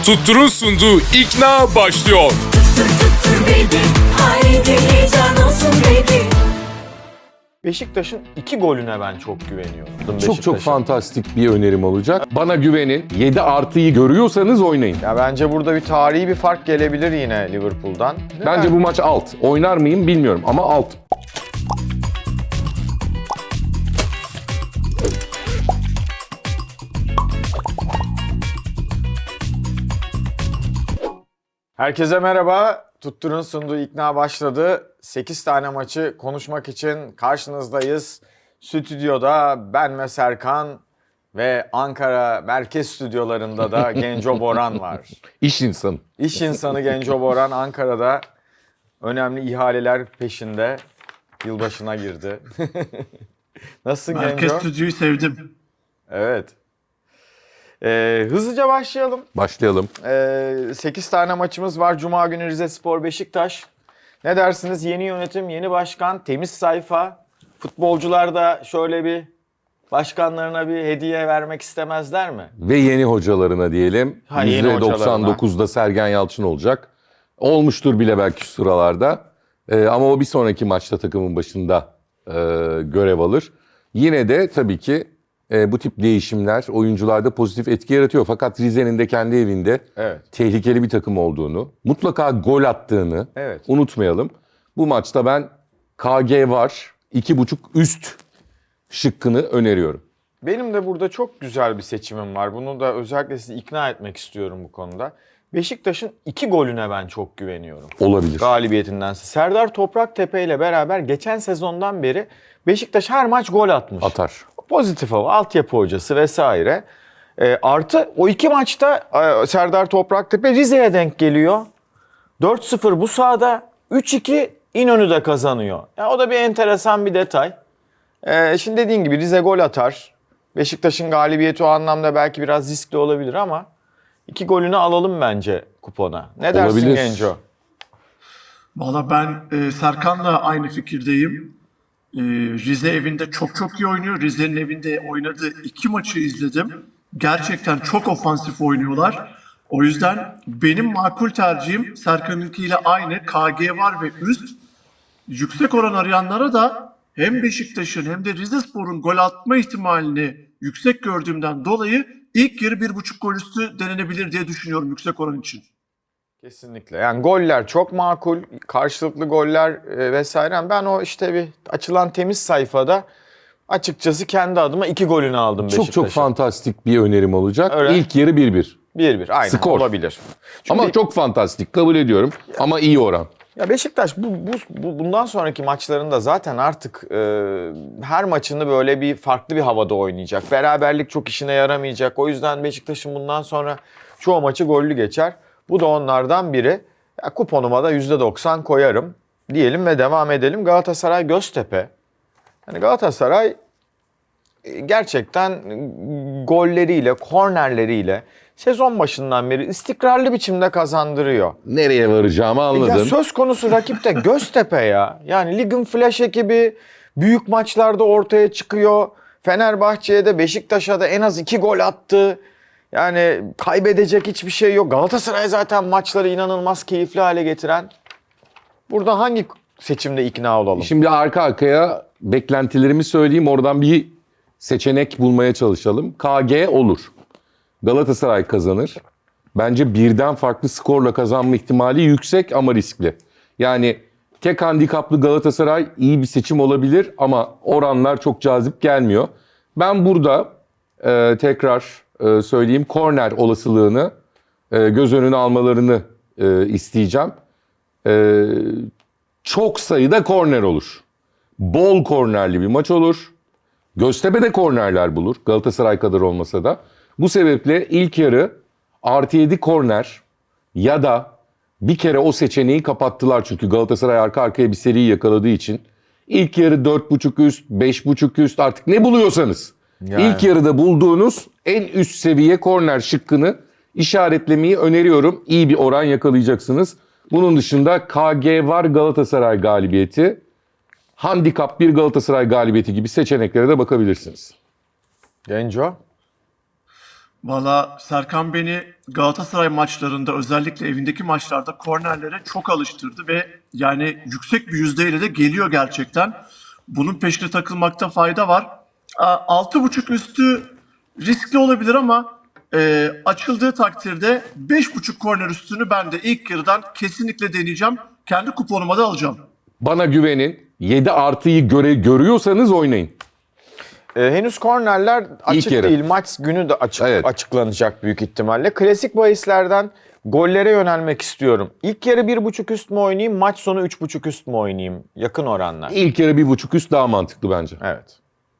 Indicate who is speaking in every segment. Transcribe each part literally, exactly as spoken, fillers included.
Speaker 1: Tuttur'un sunduğu İkna başlıyor.
Speaker 2: Tuttur tuttur baby, haydi heyecan olsun baby.
Speaker 3: Beşiktaş'ın iki golüne ben çok güveniyorum.
Speaker 4: Çok çok
Speaker 3: Beşiktaş'ın.
Speaker 4: fantastik bir önerim olacak. Bana güvenin. yedi artıyı görüyorsanız oynayın.
Speaker 3: Ya bence burada bir tarihi bir fark gelebilir yine Liverpool'dan.
Speaker 4: Bence bu maç alt. Oynar mıyım bilmiyorum ama alt.
Speaker 3: Herkese merhaba. Tuttur'un sunduğu İkna başladı. sekiz tane maçı konuşmak için karşınızdayız. Stüdyoda ben ve Serkan ve Ankara merkez stüdyolarında da Genco Boran var.
Speaker 4: İş insanı.
Speaker 3: İş insanı Genco Boran Ankara'da önemli ihaleler peşinde yılbaşına girdi. Nasılsın
Speaker 5: Merkez
Speaker 3: Genco?
Speaker 5: stüdyoyu sevdim.
Speaker 3: Evet. Ee, hızlıca başlayalım.
Speaker 4: Başlayalım.
Speaker 3: Ee, sekiz tane maçımız var. Cuma günü Rizespor Beşiktaş. Ne dersiniz? Yeni yönetim, yeni başkan, temiz sayfa. Futbolcular da şöyle bir başkanlarına bir hediye vermek istemezler mi?
Speaker 4: Ve yeni hocalarına diyelim.
Speaker 3: Ha, yeni
Speaker 4: yüzde doksan dokuzda Sergen Yalçın olacak. Olmuştur bile belki şu sıralarda. Ee, ama o bir sonraki maçta takımın başında e, görev alır. Yine de tabii ki e, bu tip değişimler oyuncularda pozitif etki yaratıyor. Fakat Rize'nin de kendi evinde
Speaker 3: Evet.
Speaker 4: tehlikeli bir takım olduğunu, mutlaka gol attığını
Speaker 3: Evet.
Speaker 4: unutmayalım. Bu maçta ben K G var, iki buçuk üst şıkkını öneriyorum.
Speaker 3: Benim de burada çok güzel bir seçimim var. Bunu da özellikle sizi ikna etmek istiyorum bu konuda. Beşiktaş'ın iki golüne ben çok güveniyorum.
Speaker 4: Olabilir.
Speaker 3: Galibiyetindense. Serdar Topraktepe ile beraber geçen sezondan beri Beşiktaş her maç gol atmış.
Speaker 4: Atar.
Speaker 3: Pozitif hava, altyapı hocası vesaire. E, artı o iki maçta e, Serdar Topraktepe Rize'ye denk geliyor. dört sıfır bu sahada, üç iki İnönü'de kazanıyor. Ya, o da bir enteresan bir detay. E, şimdi dediğin gibi Rize gol atar. Beşiktaş'ın galibiyeti o anlamda belki biraz riskli olabilir ama iki golünü alalım bence kupona. Ne dersin
Speaker 4: Olabilir.
Speaker 3: Genco?
Speaker 5: Valla ben e, Serkan'la aynı fikirdeyim. E, Rize evinde çok çok iyi oynuyor. Rize'nin evinde oynadığı iki maçı izledim. Gerçekten çok ofansif oynuyorlar. O yüzden benim makul tercihim Serkan'ınkiyle aynı. K G var ve üst. Yüksek oran arayanlara da hem Beşiktaş'ın hem de Rizespor'un gol atma ihtimalini yüksek gördüğümden dolayı ilk yarı bir buçuk gol üstü denenebilir diye düşünüyorum yüksek oran için.
Speaker 3: Kesinlikle. Yani goller çok makul, karşılıklı goller e, vesaire. Ben o işte bir açılan temiz sayfada açıkçası kendi adıma iki golünü aldım
Speaker 4: Çok
Speaker 3: Beşiktaş'a.
Speaker 4: çok fantastik bir önerim olacak.
Speaker 3: Öyle.
Speaker 4: İlk yarı bir bir.
Speaker 3: bir bir aynen
Speaker 4: Skor.
Speaker 3: olabilir. Çünkü
Speaker 4: Ama çok fantastik kabul ediyorum. Ama iyi oran.
Speaker 3: ya Beşiktaş bu, bu, bu bundan sonraki maçlarında zaten artık e, her maçını böyle bir farklı bir havada oynayacak. Beraberlik çok işine yaramayacak. O yüzden Beşiktaş'ın bundan sonra çoğu maçı gollü geçer. Bu da onlardan biri. Ya, kuponuma da yüzde doksan koyarım diyelim ve devam edelim. Galatasaray Göztepe. Yani Galatasaray e, gerçekten golleriyle, kornerleriyle sezon başından beri istikrarlı biçimde kazandırıyor.
Speaker 4: Nereye varacağımı
Speaker 3: Ya
Speaker 4: anladım.
Speaker 3: söz konusu rakip de Göztepe ya. Yani ligin flash ekibi büyük maçlarda ortaya çıkıyor. Fenerbahçe'ye de Beşiktaş'a da en az iki gol attı. Yani kaybedecek hiçbir şey yok. Galatasaray zaten maçları inanılmaz keyifli hale getiren. Burada hangi seçimde ikna olalım?
Speaker 4: Şimdi arka arkaya beklentilerimi söyleyeyim. Oradan bir seçenek bulmaya çalışalım. K G olur. Galatasaray kazanır. Bence birden farklı skorla kazanma ihtimali yüksek ama riskli. Yani tek handikaplı Galatasaray iyi bir seçim olabilir ama oranlar çok cazip gelmiyor. Ben burada e, tekrar e, söyleyeyim korner olasılığını e, göz önüne almalarını e, isteyeceğim. E, çok sayıda korner olur. Bol kornerli bir maç olur. Göztepe de kornerler bulur. Galatasaray kadar olmasa da. Bu sebeple ilk yarı artı yedi korner ya da bir kere o seçeneği kapattılar. Çünkü Galatasaray arka arkaya bir seriyi yakaladığı için. İlk yarı dört buçuk üst, beş buçuk üst artık ne buluyorsanız.
Speaker 3: Yani.
Speaker 4: İlk yarıda bulduğunuz en üst seviye korner şıkkını işaretlemeyi öneriyorum. İyi bir oran yakalayacaksınız. Bunun dışında K G var Galatasaray galibiyeti. Handikap bir Galatasaray galibiyeti gibi seçeneklere de bakabilirsiniz.
Speaker 3: Genco?
Speaker 5: Valla Serkan beni Galatasaray maçlarında, özellikle evindeki maçlarda kornerlere çok alıştırdı ve yani yüksek bir yüzdeyle de geliyor gerçekten. Bunun peşine takılmakta fayda var. altı buçuk üstü riskli olabilir ama e, açıldığı takdirde beş buçuk korner üstünü ben de ilk yarıdan kesinlikle deneyeceğim. Kendi kuponuma da alacağım.
Speaker 4: Bana güvenin. yedi artıyı göre, görüyorsanız oynayın.
Speaker 3: Ee, henüz kornerler açık
Speaker 4: yarı.
Speaker 3: değil. Maç günü de açık,
Speaker 4: Evet.
Speaker 3: açıklanacak büyük ihtimalle. Klasik bahislerden gollere yönelmek istiyorum. İlk yarı bir buçuk üst mü oynayayım, maç sonu üç buçuk üst mü oynayayım? Yakın oranlar.
Speaker 4: İlk yarı bir buçuk üst daha mantıklı bence.
Speaker 3: Evet.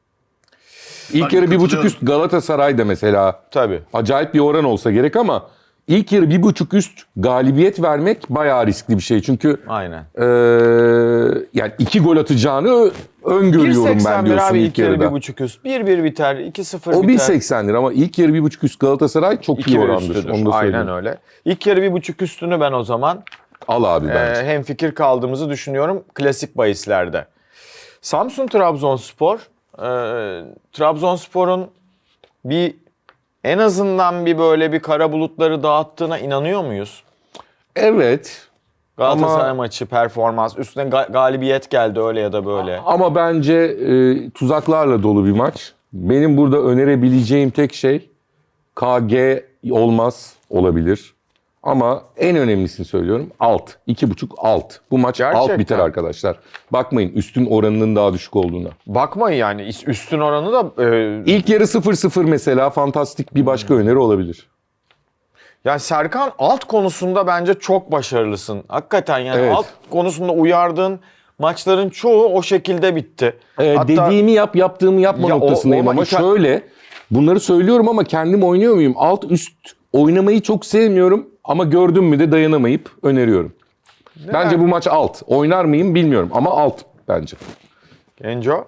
Speaker 4: İlk
Speaker 5: Ben
Speaker 4: yarı bir buçuk
Speaker 5: katılıyorum.
Speaker 4: üst Galatasaray'da mesela
Speaker 3: Tabii.
Speaker 4: acayip bir oran olsa gerek ama ilk yarı bir buçuk üst galibiyet vermek bayağı riskli bir şey. Çünkü
Speaker 3: Aynen.
Speaker 4: eee, yani iki gol atacağını ö- öngörüyorum ben
Speaker 3: bir seksen bir
Speaker 4: diyorsun
Speaker 3: abi
Speaker 4: ilk
Speaker 3: ilk yarı
Speaker 4: yarıda.
Speaker 3: bir buçuk üst. bir bir biter, iki sıfır
Speaker 4: O
Speaker 3: biter.
Speaker 4: bir seksendir ama ilk yarı bir buçuk üst Galatasaray çok
Speaker 3: iki
Speaker 4: iyi
Speaker 3: bir
Speaker 4: orandır.
Speaker 3: üstüdür.
Speaker 4: Onu da söyleyeyim.
Speaker 3: Aynen öyle. İlk yarı bir buçuk üstünü ben o zaman
Speaker 4: Al abi
Speaker 3: e,
Speaker 4: bence.
Speaker 3: hem fikir kaldığımızı düşünüyorum klasik bahislerde. Samsun Trabzonspor. E, Trabzonspor'un bir en azından bir böyle bir kara bulutları dağıttığına inanıyor muyuz?
Speaker 4: Evet.
Speaker 3: Galatasaray
Speaker 4: Ama-
Speaker 3: maçı performans üstüne ga- galibiyet geldi öyle ya da böyle.
Speaker 4: Ama bence e, tuzaklarla dolu bir maç. Benim burada önerebileceğim tek şey K G olmaz olabilir. Ama en önemlisini söylüyorum alt. iki buçuk alt. Bu maç alt
Speaker 3: Gerçekten.
Speaker 4: biter arkadaşlar. Bakmayın üstün oranının daha düşük olduğuna.
Speaker 3: Bakmayın yani üstün oranı da e,
Speaker 4: İlk yarı sıfır sıfır mesela fantastik bir başka öneri olabilir.
Speaker 3: yani Serkan alt konusunda bence çok başarılısın. Hakikaten yani
Speaker 4: Evet.
Speaker 3: alt konusunda uyardığın maçların çoğu o şekilde bitti.
Speaker 4: Ee,
Speaker 3: Hatta
Speaker 4: dediğimi yap, yaptığımı yapma
Speaker 3: Ya o-
Speaker 4: noktasındayım
Speaker 3: o-
Speaker 4: ama
Speaker 3: iki-
Speaker 4: şöyle bunları söylüyorum ama kendim oynuyor muyum? Alt üst oynamayı çok sevmiyorum ama gördüm mü de dayanamayıp öneriyorum. Bence bu maç alt. Oynar mıyım bilmiyorum ama alt bence.
Speaker 3: Genco.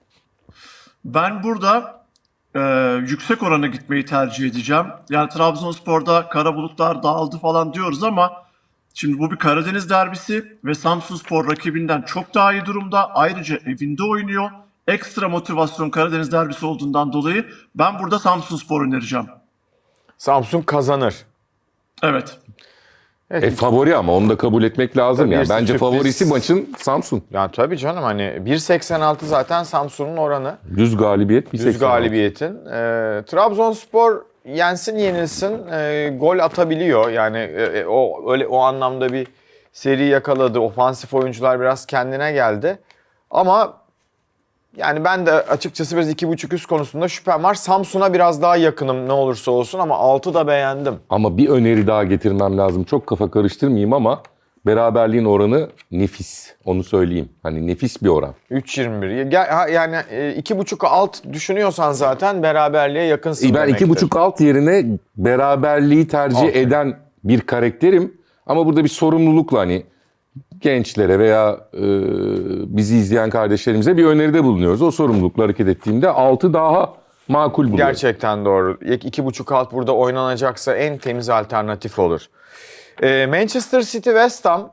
Speaker 5: Ben burada e, yüksek orana gitmeyi tercih edeceğim. Yani Trabzonspor'da kara bulutlar dağıldı falan diyoruz ama şimdi bu bir Karadeniz derbisi ve Samsunspor rakibinden çok daha iyi durumda. Ayrıca evinde oynuyor. Ekstra motivasyon Karadeniz derbisi olduğundan dolayı ben burada Samsunspor önereceğim.
Speaker 3: Samsun kazanır.
Speaker 5: Evet.
Speaker 4: E favori ama onu da kabul etmek lazım
Speaker 3: Tabii
Speaker 4: ya.
Speaker 3: bir
Speaker 4: Bence
Speaker 3: sürpriz.
Speaker 4: favorisi maçın Samsun.
Speaker 3: Ya tabii canım hani bir seksen altı zaten Samsun'un oranı.
Speaker 4: Düz galibiyet bir
Speaker 3: Düz
Speaker 4: seksen altı.
Speaker 3: galibiyetin. Ee, Trabzonspor yensin yenilsin e, gol atabiliyor. Yani e, e, o öyle o anlamda bir seri yakaladı. Ofansif oyuncular biraz kendine geldi. Ama yani ben de açıkçası biraz iki buçuk üst konusunda şüphem var. Samsun'a biraz daha yakınım ne olursa olsun ama altı da beğendim.
Speaker 4: Ama bir öneri daha getirmem lazım. Çok kafa karıştırmayayım ama beraberliğin oranı nefis. Onu söyleyeyim. Hani nefis bir oran.
Speaker 3: üç yirmi bir. Gel- ha, Yani e, iki buçuk alt düşünüyorsan zaten beraberliğe yakınsın
Speaker 4: Ben
Speaker 3: demektir.
Speaker 4: iki buçuk alt yerine beraberliği tercih
Speaker 3: Aferin.
Speaker 4: eden bir karakterim. Ama burada bir sorumlulukla hani gençlere veya e, bizi izleyen kardeşlerimize bir öneride bulunuyoruz. O sorumlulukla hareket ettiğimde altı daha makul buluyorum.
Speaker 3: Gerçekten doğru. iki buçuk alt burada oynanacaksa en temiz alternatif olur. Ee, Manchester City West Ham.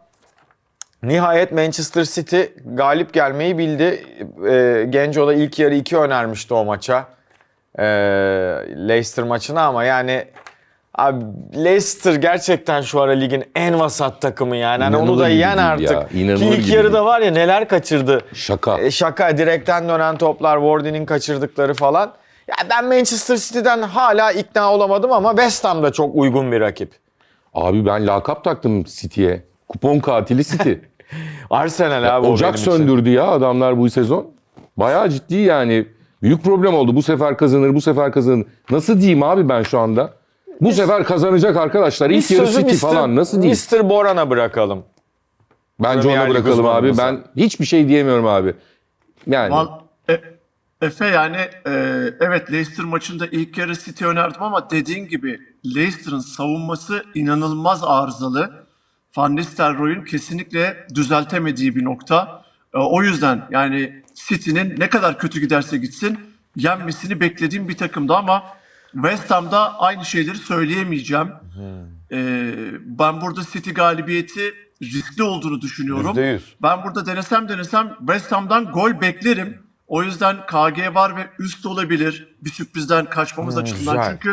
Speaker 3: Nihayet Manchester City galip gelmeyi bildi. Ee, Genco da ilk yarı iki önermişti o maça. Ee, Leicester maçına ama yani abi Leicester gerçekten şu ara ligin en vasat takımı yani. Hani onu
Speaker 4: İnanılır
Speaker 3: da
Speaker 4: gibi
Speaker 3: yen
Speaker 4: değil
Speaker 3: artık.
Speaker 4: ya, inanılır
Speaker 3: Ki ilk
Speaker 4: gibi
Speaker 3: yarıda
Speaker 4: değil.
Speaker 3: var ya neler kaçırdı.
Speaker 4: Şaka.
Speaker 3: E, şaka direkten dönen toplar, Wardy'nin kaçırdıkları falan. Ya ben Manchester City'den hala ikna olamadım ama West Ham da çok uygun bir rakip.
Speaker 4: Abi ben lakap taktım City'ye. Kupon katili City.
Speaker 3: Arsenal abi o
Speaker 4: Ocak
Speaker 3: benim için.
Speaker 4: söndürdü ya adamlar bu sezon. Bayağı ciddi yani. Büyük problem oldu. Bu sefer kazanır, bu sefer kazanır. Nasıl diyeyim abi ben şu anda? Bu sefer kazanacak arkadaşlar. İlk
Speaker 3: Biz
Speaker 4: yarı
Speaker 3: sözü
Speaker 4: City
Speaker 3: mister
Speaker 4: falan nasıl diyeyim?
Speaker 3: mister Boran'a bırakalım.
Speaker 4: Bence
Speaker 3: Premier
Speaker 4: ona
Speaker 3: Lig
Speaker 4: bırakalım abi.
Speaker 3: uzmanımıza.
Speaker 4: Ben hiçbir şey diyemiyorum abi. Yani
Speaker 5: Val- E- Efe yani e, evet Leicester maçında ilk yarı City önerdim ama dediğin gibi Leicester'ın savunması inanılmaz arızalı. Van Nistelrooy'un kesinlikle düzeltemediği bir nokta. E, o yüzden yani City'nin ne kadar kötü giderse gitsin yenmesini beklediğim bir takımdı ama West Ham'da aynı şeyleri söyleyemeyeceğim. E, ben burada City galibiyeti riskli olduğunu düşünüyorum.
Speaker 3: yüzde yüz.
Speaker 5: Ben burada denesem denesem West Ham'dan gol beklerim. O yüzden K G var ve üst olabilir. Bir sürprizden kaçmamız
Speaker 3: Hmm,
Speaker 5: açısından.
Speaker 3: güzel.
Speaker 5: Çünkü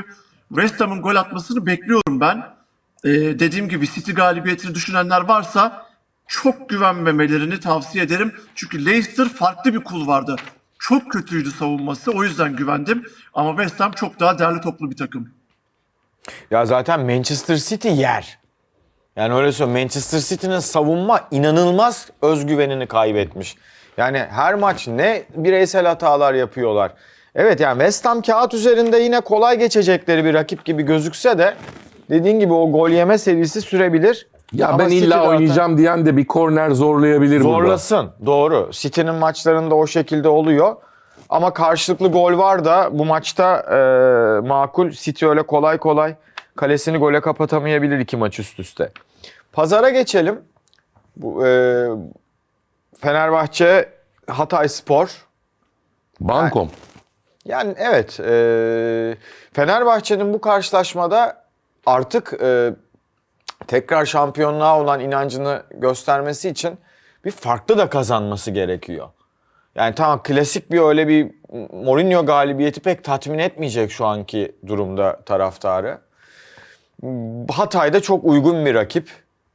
Speaker 5: West Ham'ın gol atmasını bekliyorum ben. Ee, dediğim gibi City galibiyetini düşünenler varsa çok güvenmemelerini tavsiye ederim. Çünkü Leicester farklı bir kulvardı. Çok kötüydü savunması. O yüzden güvendim. Ama West Ham çok daha değerli toplu bir takım.
Speaker 3: Ya zaten Manchester City yer. Yani öyle söyleyeyim. Manchester City'nin savunma inanılmaz özgüvenini kaybetmiş. Yani her maç ne bireysel hatalar yapıyorlar. Evet yani West Ham kağıt üzerinde yine kolay geçecekleri bir rakip gibi gözükse de dediğin gibi o gol yeme serisi sürebilir.
Speaker 4: Ya
Speaker 3: Ama
Speaker 4: ben
Speaker 3: City
Speaker 4: illa
Speaker 3: zaten
Speaker 4: oynayacağım diyen de bir korner zorlayabilir burada.
Speaker 3: zorlasın. Doğru. City'nin maçlarında o şekilde oluyor. Ama karşılıklı gol var da bu maçta e, makul. City öyle kolay kolay kalesini gole kapatamayabilir iki maç üst üste. Pazara geçelim. Bu, e, Fenerbahçe Hatayspor.
Speaker 4: Bankom.
Speaker 3: Yani evet e, Fenerbahçe'nin bu karşılaşmada artık e, tekrar şampiyonluğa olan inancını göstermesi için bir farklı da kazanması gerekiyor. Yani tamam klasik bir öyle bir Mourinho galibiyeti pek tatmin etmeyecek şu anki durumda taraftarı. Hatay'da çok uygun bir rakip.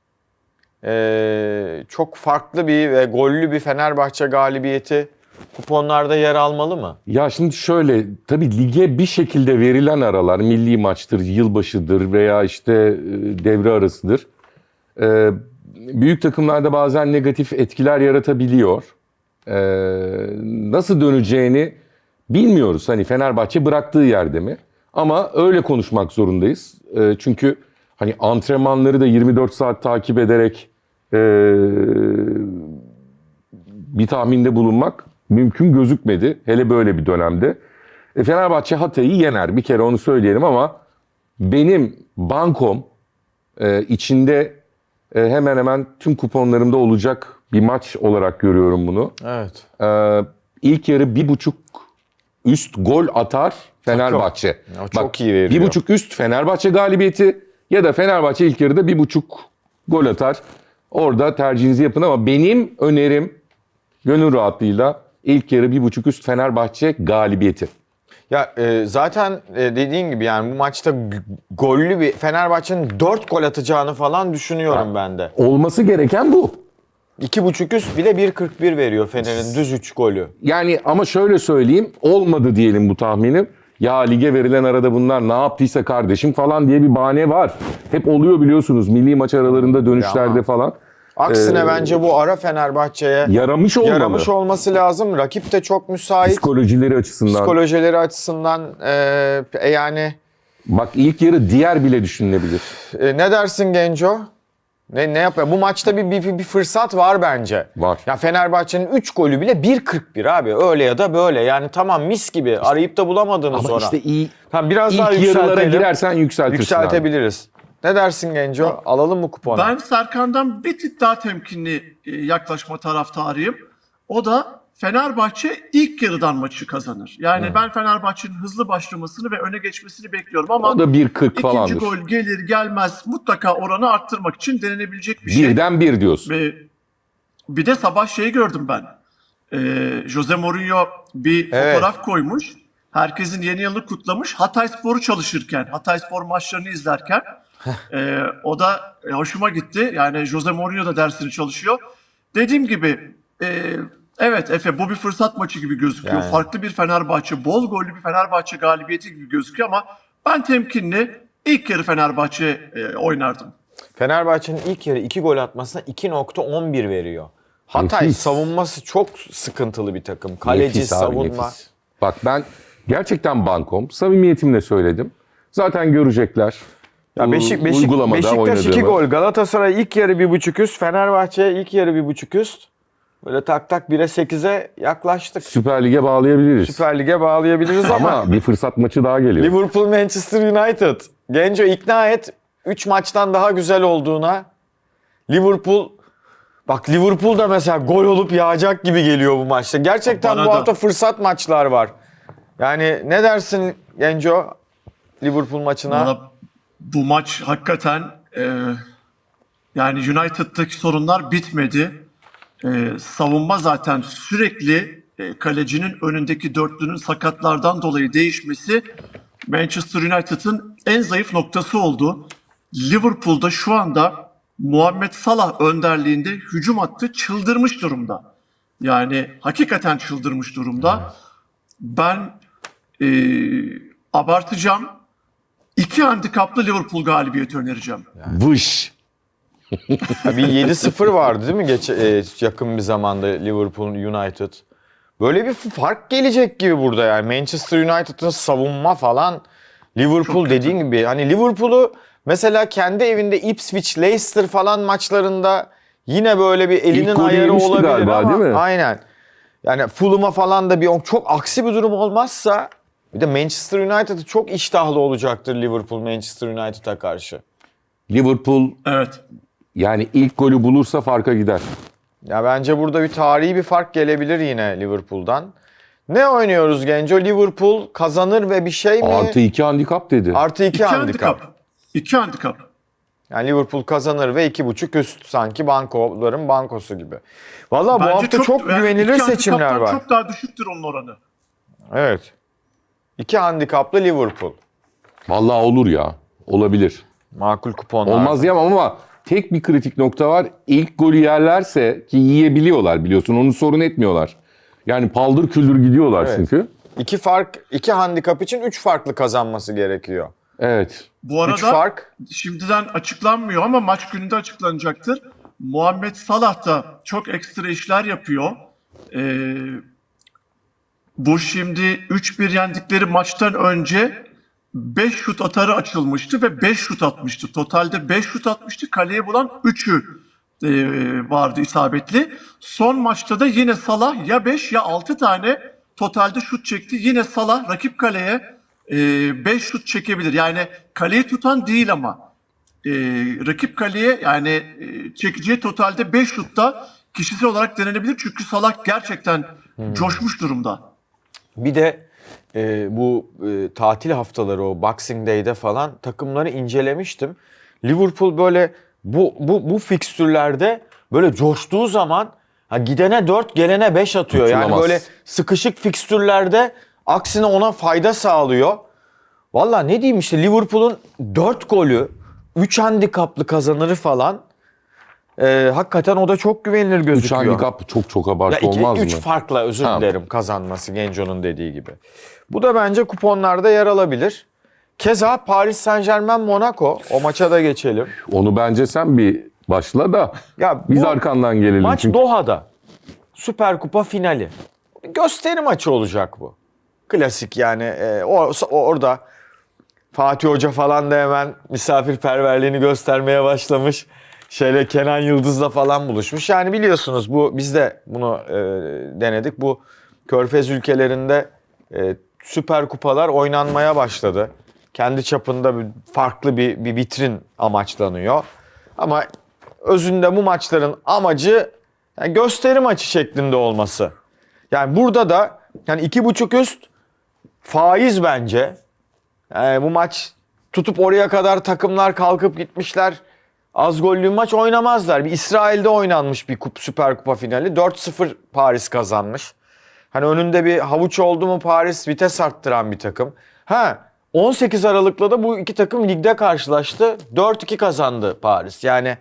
Speaker 3: Ee, çok farklı bir ve gollü bir Fenerbahçe galibiyeti kuponlarda yer almalı mı?
Speaker 4: Ya şimdi şöyle, tabii lige bir şekilde verilen aralar, milli maçtır, yılbaşıdır veya işte e, devre arasıdır. E, büyük takımlarda bazen negatif etkiler yaratabiliyor. E, nasıl döneceğini bilmiyoruz. Hani Fenerbahçe bıraktığı yerde mi? Ama öyle konuşmak zorundayız. E, çünkü hani antrenmanları da yirmi dört saat takip ederek e, bir tahminde bulunmak mümkün gözükmedi. Hele böyle bir dönemde. E, Fenerbahçe Hatay'ı yener. Bir kere onu söyleyelim ama benim bankom e, içinde e, hemen hemen tüm kuponlarımda olacak bir maç olarak görüyorum bunu.
Speaker 3: Evet.
Speaker 4: E, ilk yarı bir buçuk üst gol atar Fenerbahçe.
Speaker 3: Ya çok iyi veriyor.
Speaker 4: Bir buçuk üst Fenerbahçe galibiyeti ya da Fenerbahçe ilk yarıda bir buçuk gol atar. Orada tercihinizi yapın ama benim önerim gönül rahatlığıyla ilk yarı bir buçuk üst Fenerbahçe galibiyeti.
Speaker 3: Ya e, zaten e, dediğin gibi yani bu maçta g- gollü bir Fenerbahçe'nin dört gol atacağını falan düşünüyorum
Speaker 4: Ha.
Speaker 3: ben de.
Speaker 4: Olması gereken bu.
Speaker 3: iki buçuk üst bile bir kırk bir veriyor Fener'in düz üç golü.
Speaker 4: Yani ama şöyle söyleyeyim, olmadı diyelim bu tahminim. Ya lige verilen arada bunlar ne yaptıysa kardeşim falan diye bir bahane var. Hep oluyor biliyorsunuz milli maç aralarında dönüşlerde
Speaker 3: ama-
Speaker 4: falan.
Speaker 3: Aksine
Speaker 4: Ee,
Speaker 3: bence bu ara Fenerbahçe'ye
Speaker 4: Yaramış olmalı.
Speaker 3: yaramış olması lazım. Rakip de çok müsait.
Speaker 4: Psikolojileri açısından.
Speaker 3: Psikolojileri açısından e, e, yani
Speaker 4: Bak ilk yarı diğer bile düşünülebilir.
Speaker 3: e, ne dersin Genco? Ne ne yapıyor? Bu maçta bir, bir bir fırsat var bence.
Speaker 4: Var.
Speaker 3: Ya Fenerbahçe'nin üç golü bile bir kırk bir abi. Öyle ya da böyle. Yani tamam mis gibi. Arayıp da bulamadığını
Speaker 4: Ama
Speaker 3: sonra.
Speaker 4: işte iyi,
Speaker 3: Tamam biraz daha
Speaker 4: ilk yarılara
Speaker 3: yükseltelim.
Speaker 4: girersen yükseltirsin abi.
Speaker 3: Yükseltebiliriz. Ne dersin Genco? Alalım mı kuponu?
Speaker 5: Ben Serkan'dan bir tık daha temkinli e, yaklaşma taraftarıyım. O da Fenerbahçe ilk yarıdan maçı kazanır. Yani ben Fenerbahçe'nin hızlı başlamasını ve öne geçmesini bekliyorum ama
Speaker 4: O da bir kırk
Speaker 5: ikinci
Speaker 4: falandır.
Speaker 5: gol gelir gelmez mutlaka oranı arttırmak için denenebilecek bir şey.
Speaker 4: Birden bir diyorsun.
Speaker 5: Ve bir de sabah şeyi gördüm ben. Ee, Jose Mourinho bir
Speaker 3: Evet.
Speaker 5: fotoğraf koymuş. Herkesin yeni yılını kutlamış. Hatayspor'u çalışırken, Hatayspor maçlarını izlerken. Ee, o da e, hoşuma gitti. Yani Jose Mourinho da dersini çalışıyor. Dediğim gibi e, evet Efe bu bir fırsat maçı gibi gözüküyor.
Speaker 3: Yani.
Speaker 5: Farklı bir Fenerbahçe, bol gollü bir Fenerbahçe galibiyeti gibi gözüküyor ama ben temkinli ilk yarı Fenerbahçe e, oynardım.
Speaker 3: Fenerbahçe'nin ilk yarı iki gol atmasına iki nokta on bir veriyor. Hatay
Speaker 4: Nefis.
Speaker 3: savunması çok sıkıntılı bir takım. Kaleci,
Speaker 4: Nefis abi,
Speaker 3: savunma.
Speaker 4: nefis. Bak ben gerçekten bankom. Samimiyetimle söyledim. Zaten görecekler.
Speaker 3: Ya
Speaker 4: U-
Speaker 3: Beşik, Beşik,
Speaker 4: uygulamada
Speaker 3: Beşiktaş iki
Speaker 4: oynadığımı.
Speaker 3: gol. Galatasaray ilk yarı bir buçuk üst. Fenerbahçe ilk yarı bir buçuk üst. Böyle tak tak bire sekize yaklaştık.
Speaker 4: Süper Lig'e bağlayabiliriz.
Speaker 3: Süper Lig'e bağlayabiliriz ama
Speaker 4: Ama bir fırsat maçı daha geliyor.
Speaker 3: Liverpool Manchester United. Genco ikna et üç maçtan daha güzel olduğuna. Liverpool bak Liverpool da mesela gol olup yağacak gibi geliyor bu maçta. Gerçekten
Speaker 5: Bana
Speaker 3: bu
Speaker 5: da.
Speaker 3: hafta fırsat maçlar var. Yani ne dersin Genco Liverpool maçına?
Speaker 5: Valla bu maç hakikaten e, yani United'daki sorunlar bitmedi. E, savunma zaten sürekli e, kalecinin önündeki dörtlünün sakatlardan dolayı değişmesi Manchester United'ın en zayıf noktası oldu. Liverpool'da şu anda Muhammed Salah önderliğinde hücum hattı çıldırmış durumda. Yani hakikaten çıldırmış durumda. Ben e, abartacağım. İki handikaplı Liverpool galibiyeti önereceğim.
Speaker 4: Vış.
Speaker 3: Ya bir yedi sıfır vardı değil mi geç, e, yakın bir zamanda Liverpool United. Böyle bir fark gelecek gibi burada yani. Manchester United'ın savunma falan, Liverpool dediğin gibi. Hani Liverpool'u mesela kendi evinde Ipswich, Leicester falan maçlarında yine böyle bir elinin
Speaker 4: İlk golü
Speaker 3: ayarı
Speaker 4: yemişti
Speaker 3: olabilir
Speaker 4: galiba,
Speaker 3: ama
Speaker 4: değil mi?
Speaker 3: aynen. Yani Fulham'a falan da bir çok aksi bir durum olmazsa bir de Manchester United'ı çok iştahlı olacaktır Liverpool Manchester United'a karşı.
Speaker 4: Liverpool
Speaker 5: Evet.
Speaker 4: yani ilk golü bulursa farka gider.
Speaker 3: Ya bence burada bir tarihi bir fark gelebilir yine Liverpool'dan. Ne oynuyoruz Genco? Liverpool kazanır ve bir şey mi?
Speaker 4: Artı iki handikap dedi.
Speaker 3: Artı iki
Speaker 5: İki
Speaker 3: handikap.
Speaker 5: handikap. İki handikap.
Speaker 3: Yani Liverpool kazanır ve iki buçuk üst sanki bankoların bankosu gibi. Valla bu
Speaker 5: Bence
Speaker 3: hafta çok,
Speaker 5: yani
Speaker 3: güvenilir
Speaker 5: iki
Speaker 3: seçimler
Speaker 5: handikaptan
Speaker 3: var.
Speaker 5: Çok daha düşüktür onun oranı.
Speaker 3: Evet. İki handikaplı Liverpool.
Speaker 4: Vallahi olur ya. Olabilir.
Speaker 3: Makul kuponlar.
Speaker 4: Olmaz diyemem ama tek bir kritik nokta var. İlk golü yerlerse ki yiyebiliyorlar biliyorsun. Onu sorun etmiyorlar. Yani paldır küldür gidiyorlar
Speaker 3: Evet.
Speaker 4: çünkü.
Speaker 3: İki fark, iki handikap için üç farklı kazanması gerekiyor.
Speaker 4: Evet.
Speaker 5: Bu arada
Speaker 3: Üç fark.
Speaker 5: şimdiden açıklanmıyor ama maç gününde açıklanacaktır. Muhammed Salah da çok ekstra işler yapıyor. Ee, bu şimdi üç bir yendikleri maçtan önce beş şut atarı açılmıştı ve beş şut atmıştı. Totalde beş şut atmıştı. Kaleye bulan üçü e, vardı isabetli. Son maçta da yine Salah ya beş ya altı tane totalde şut çekti. Yine Salah rakip kaleye beş şut çekebilir. Yani kaleyi tutan değil ama e, rakip kaleye yani e, çekeceği totalde beş şutta kişisel olarak denenebilir. Çünkü Salah gerçekten coşmuş durumda.
Speaker 3: Bir de e, bu e, tatil haftaları o Boxing Day'de falan takımları incelemiştim. Liverpool böyle bu bu bu fikstürlerde böyle coştuğu zaman ha, gidene dört gelene beş atıyor. Yani
Speaker 4: Kurtulamaz.
Speaker 3: böyle sıkışık fikstürlerde aksine ona fayda sağlıyor. Valla ne diyeyim işte Liverpool'un dört golü, üç handikaplı kazanırı falan. E, hakikaten o da çok güvenilir
Speaker 4: üç
Speaker 3: gözüküyor.
Speaker 4: handikap çok çok
Speaker 3: Ya
Speaker 4: abartı
Speaker 3: iki,
Speaker 4: olmaz
Speaker 3: üç
Speaker 4: mı?
Speaker 3: farkla özür
Speaker 4: Tamam.
Speaker 3: dilerim kazanması Genco'nun dediği gibi. Bu da bence kuponlarda yer alabilir. Keza Paris Saint-Germain Monaco o maça da geçelim.
Speaker 4: Onu bence sen bir başla da
Speaker 3: Ya
Speaker 4: biz
Speaker 3: bu
Speaker 4: arkandan gelelim.
Speaker 3: maç
Speaker 4: çünkü.
Speaker 3: Doha'da. Süper Kupa finali. Gösteri maçı olacak bu. Klasik yani e, o, o- orada Fatih Hoca falan da hemen misafirperverliğini göstermeye başlamış. Şöyle Kenan Yıldız'la falan buluşmuş. Yani biliyorsunuz bu biz de bunu e, denedik. Bu Körfez ülkelerinde e, süper kupalar oynanmaya başladı. Kendi çapında bir, farklı bir, bir vitrin amaçlanıyor. Ama özünde bu maçların amacı yani gösteri maçı şeklinde olması. Yani burada da yani iki buçuk üst faiz bence. Yani bu maç tutup oraya kadar takımlar kalkıp gitmişler. Az gollü maç oynamazlar. Bir İsrail'de oynanmış bir kup, Süper Kupa finali. dört sıfır Paris kazanmış. Hani önünde bir havuç oldu mu Paris vites arttıran bir takım. Ha on sekiz Aralık'ta da bu iki takım ligde karşılaştı. dört iki kazandı Paris. Yani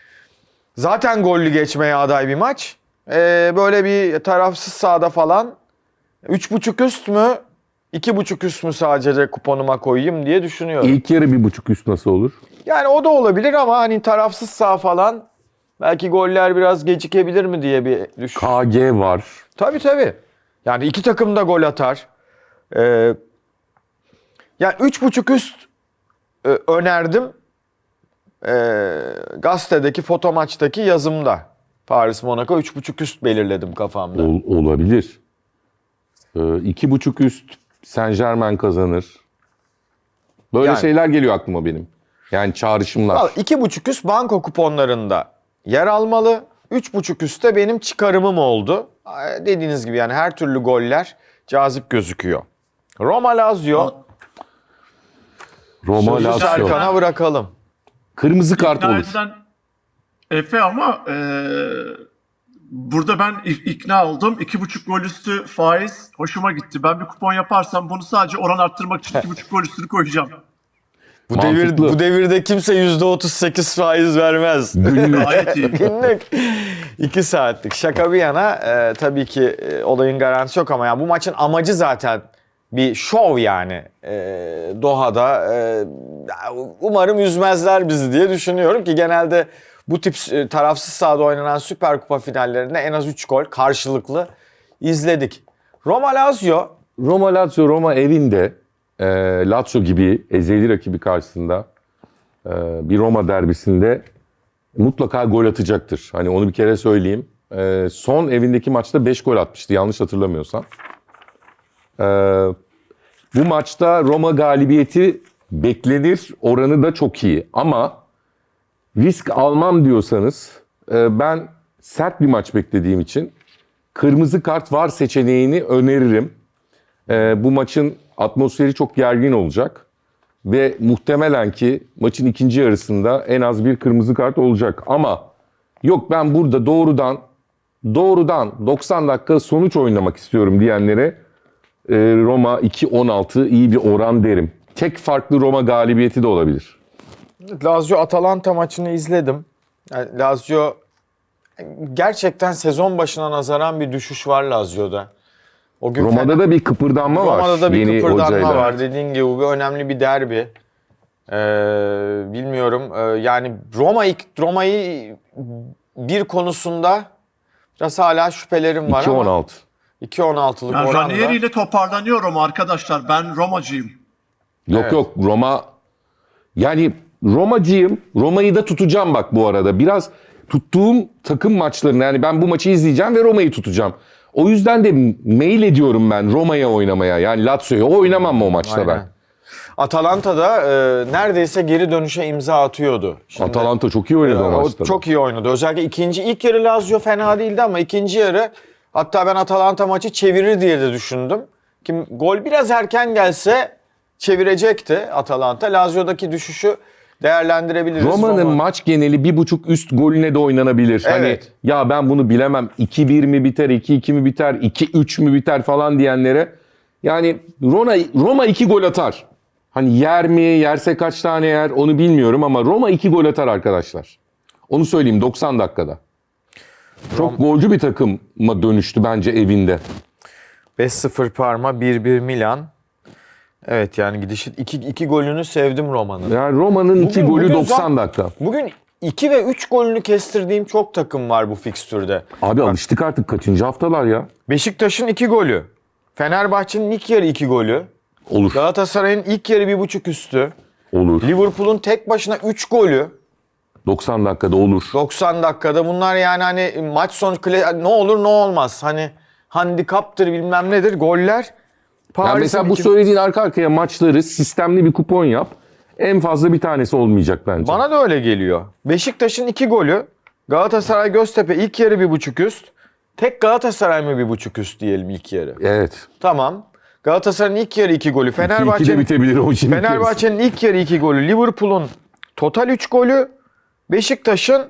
Speaker 3: zaten gollü geçmeye aday bir maç. Ee, böyle bir tarafsız sahada falan üç buçuk üst mü iki buçuk üst mü sadece kuponuma koyayım diye düşünüyorum.
Speaker 4: İlk yarı bir buçuk üst nasıl olur?
Speaker 3: Yani o da olabilir ama hani tarafsız sağ falan belki goller biraz gecikebilir mi diye bir düşün.
Speaker 4: K G var.
Speaker 3: Tabii tabii. Yani iki takım da gol atar. Ee, yani üç buçuk üst e, önerdim. Ee, gazetedeki foto maçtaki yazımda. Paris Monaco üç buçuk üst belirledim kafamda.
Speaker 4: Ol- olabilir. Ee, iki buçuk üst Saint Germain kazanır. Böyle
Speaker 3: Yani.
Speaker 4: şeyler geliyor aklıma benim. Yani çağrışımlar.
Speaker 3: Vallahi iki buçuk üst banko kuponlarında yer almalı. üç buçuk üstte benim çıkarımım oldu. Ee, Dediğiniz gibi yani her türlü goller cazip gözüküyor. Roma Lazio.
Speaker 4: Roma
Speaker 3: Sözü
Speaker 4: Lazio.
Speaker 3: Serkan'a bırakalım.
Speaker 4: Kırmızı kart
Speaker 5: İkna
Speaker 4: olur.
Speaker 5: edilen Efe ama e, Burada ben ik- ikna oldum. İki buçuk gol üstü faiz hoşuma gitti. Ben bir kupon yaparsam bunu sadece oran arttırmak için iki buçuk gol üstünü koyacağım.
Speaker 3: Bu
Speaker 4: Mantıklı.
Speaker 3: devir bu devirde kimse yüzde otuz sekiz faiz vermez.
Speaker 5: Gayet iyi.
Speaker 3: Günlük iki saatlik. Şaka bir yana e, tabii ki e, olayın garantisi yok ama ya bu maçın amacı zaten bir şov yani. E, Doha'da e, umarım üzmezler bizi diye düşünüyorum ki genelde bu tip e, tarafsız sahada oynanan Süper Kupa finallerinde en az üç gol karşılıklı izledik. Roma Lazio
Speaker 4: Roma Lazio, Roma evinde e, Lazio gibi ezeli rakibi karşısında e, bir Roma derbisinde mutlaka gol atacaktır. Hani onu bir kere söyleyeyim. E, son evindeki maçta beş gol atmıştı yanlış hatırlamıyorsam. E, bu maçta Roma galibiyeti beklenir, oranı da çok iyi. Ama risk almam diyorsanız e, ben sert bir maç beklediğim için kırmızı kart var seçeneğini öneririm. Ee, bu maçın atmosferi çok gergin olacak ve muhtemelen ki maçın ikinci yarısında en az bir kırmızı kart olacak. Ama yok ben burada doğrudan doğrudan doksan dakika sonuç oynamak istiyorum diyenlere e, Roma iki on altı iyi bir oran derim. Tek farklı Roma galibiyeti de olabilir.
Speaker 3: Lazio Atalanta maçını izledim. Yani Lazio gerçekten sezon başına nazaran bir düşüş var Lazio'da. O gün
Speaker 4: Roma'da da bir kıpırdanma var.
Speaker 3: Roma'da da bir
Speaker 4: yeni
Speaker 3: kıpırdanma
Speaker 4: hocayla.
Speaker 3: var. Dediğin gibi bu önemli bir derbi. Ee, bilmiyorum. Ee, yani Roma ilk Roma'yı bir konusunda biraz hala şüphelerim var
Speaker 4: iki on
Speaker 3: ama
Speaker 4: altı.
Speaker 3: iki on altılık
Speaker 5: Ben
Speaker 3: oranda.
Speaker 5: Ranieri ile toparlanıyorum arkadaşlar. Ben Romacıyım.
Speaker 4: Yok
Speaker 3: Evet.
Speaker 4: yok Roma yani Romacıyım. Roma'yı da tutacağım bak bu arada. Biraz tuttuğum takım maçlarını yani ben bu maçı izleyeceğim ve Roma'yı tutacağım. O yüzden de mail ediyorum ben Roma'ya oynamaya. Yani Lazio'ya oynamam o maçta
Speaker 3: Aynen.
Speaker 4: ben.
Speaker 3: Atalanta'da e, neredeyse geri dönüşe imza atıyordu. Şimdi,
Speaker 4: Atalanta çok iyi oynadı o
Speaker 3: o
Speaker 4: maçta.
Speaker 3: çok iyi oynadı. Özellikle ikinci ilk yarı Lazio fena değildi ama ikinci yarı hatta ben Atalanta maçı çevirir diye de düşündüm. Kim gol biraz erken gelse çevirecekti Atalanta. Lazio'daki düşüşü değerlendirebiliriz.
Speaker 4: Roma'nın
Speaker 3: Roma-
Speaker 4: maç geneli bir buçuk üst golüne de oynanabilir. Hani
Speaker 3: Evet.
Speaker 4: ya ben bunu bilemem. iki bir mi biter, iki iki mi biter, iki üç mü biter falan diyenlere. Yani Roma, Roma iki gol atar. Hani yer mi, yerse kaç tane yer onu bilmiyorum ama Roma iki gol atar arkadaşlar. Onu söyleyeyim doksan dakikada. Çok golcü bir takıma dönüştü bence evinde.
Speaker 3: beş sıfır Parma, bir bir Milan. Evet yani gidişi iki, iki golünü sevdim Roma'nın.
Speaker 4: Yani Roma'nın iki
Speaker 3: Bugün-
Speaker 4: golü
Speaker 3: bugün
Speaker 4: doksan
Speaker 3: zaten-
Speaker 4: dakika.
Speaker 3: Bugün iki ve üç golünü kestirdiğim çok takım var bu fikstürde.
Speaker 4: Abi alıştık artık kaçıncı haftalar ya?
Speaker 3: Beşiktaş'ın iki golü. Fenerbahçe'nin ilk yarı iki golü.
Speaker 4: Olur,
Speaker 3: Galatasaray'ın ilk yarı bir buçuk üstü.
Speaker 4: olur.
Speaker 3: Liverpool'un tek başına üç golü.
Speaker 4: doksan dakikada olur.
Speaker 3: doksan dakikada. Bunlar yani hani maç sonu kle- ne olur ne olmaz. Hani handikaptır bilmem nedir. Goller.
Speaker 4: Yani
Speaker 3: Paris'in
Speaker 4: mesela bu
Speaker 3: iki-
Speaker 4: söylediğin arka arkaya maçları sistemli bir kupon yap. En fazla bir tanesi olmayacak bence.
Speaker 3: Bana da öyle geliyor. Beşiktaş'ın iki golü. Galatasaray Göztepe ilk yarı bir buçuk üst. Tek Galatasaray mı bir buçuk üst diyelim ilk yarı.
Speaker 4: Evet.
Speaker 3: Tamam. Galatasaray'ın ilk yarı iki golü.
Speaker 4: iki iki de
Speaker 3: Fenerbahçe'nin
Speaker 4: bitebilir o şimdi.
Speaker 3: Fenerbahçe'nin ilk yarı iki golü. Liverpool'un total üç golü. Beşiktaş'ın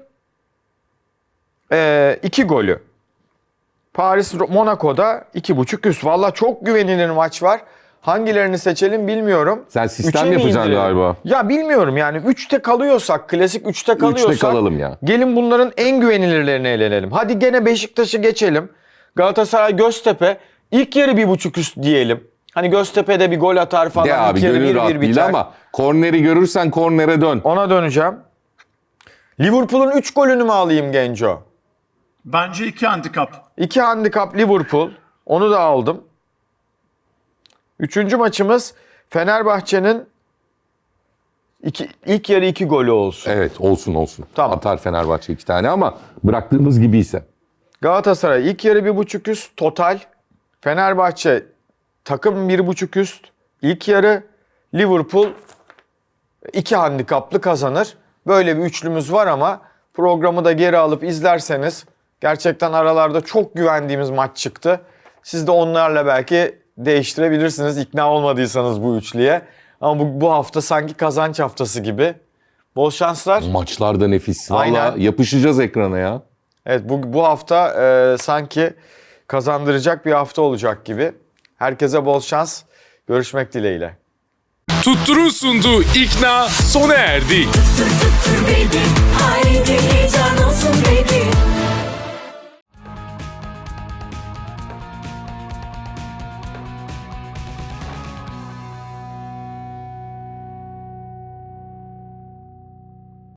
Speaker 3: iki golü. Paris Monaco'da iki buçuk üst. Valla çok güvenilir maç var. Hangilerini seçelim bilmiyorum.
Speaker 4: Sen sistem
Speaker 3: Üçe mi
Speaker 4: yapacaksın
Speaker 3: indirelim?
Speaker 4: galiba.
Speaker 3: Ya bilmiyorum yani üçte kalıyorsak, klasik üçte kalıyorsak.
Speaker 4: Üçte kalalım ya.
Speaker 3: Gelin bunların en güvenilirlerini elenelim. Hadi gene Beşiktaş'ı geçelim. Galatasaray Göztepe ilk yarı bir buçuk üst diyelim. Hani Göztepe'de bir gol atar falan.
Speaker 4: De abi
Speaker 3: ilk yarı
Speaker 4: gönül
Speaker 3: bir
Speaker 4: rahat
Speaker 3: bir
Speaker 4: değil
Speaker 3: biter.
Speaker 4: ama korneri görürsen kornere dön.
Speaker 3: Ona döneceğim. Liverpool'un üç golünü mü alayım Genco?
Speaker 5: Bence iki handikap.
Speaker 3: iki handikap Liverpool. Onu da aldım. Üçüncü maçımız Fenerbahçe'nin iki, ilk yarı iki golü olsun.
Speaker 4: Evet olsun olsun.
Speaker 3: Tamam.
Speaker 4: Atar Fenerbahçe iki tane ama bıraktığımız gibiyse.
Speaker 3: Galatasaray ilk yarı bir buçuk üst total. Fenerbahçe takım bir buçuk üst. İlk yarı Liverpool iki handikaplı kazanır. Böyle bir üçlümüz var ama programı da geri alıp izlerseniz gerçekten aralarda çok güvendiğimiz maç çıktı. Siz de onlarla belki değiştirebilirsiniz ikna olmadıysanız bu üçlüye. Ama bu, bu hafta sanki kazanç haftası gibi. Bol şanslar.
Speaker 4: Maçlar da nefis. Valla
Speaker 3: Aynen.
Speaker 4: yapışacağız ekrana ya.
Speaker 3: Evet bu, bu hafta e, sanki kazandıracak bir hafta olacak gibi. Herkese bol şans. Görüşmek dileğiyle.
Speaker 1: Tuttur'un sunduğu İkna sona erdi.
Speaker 2: Tuttur tuttur baby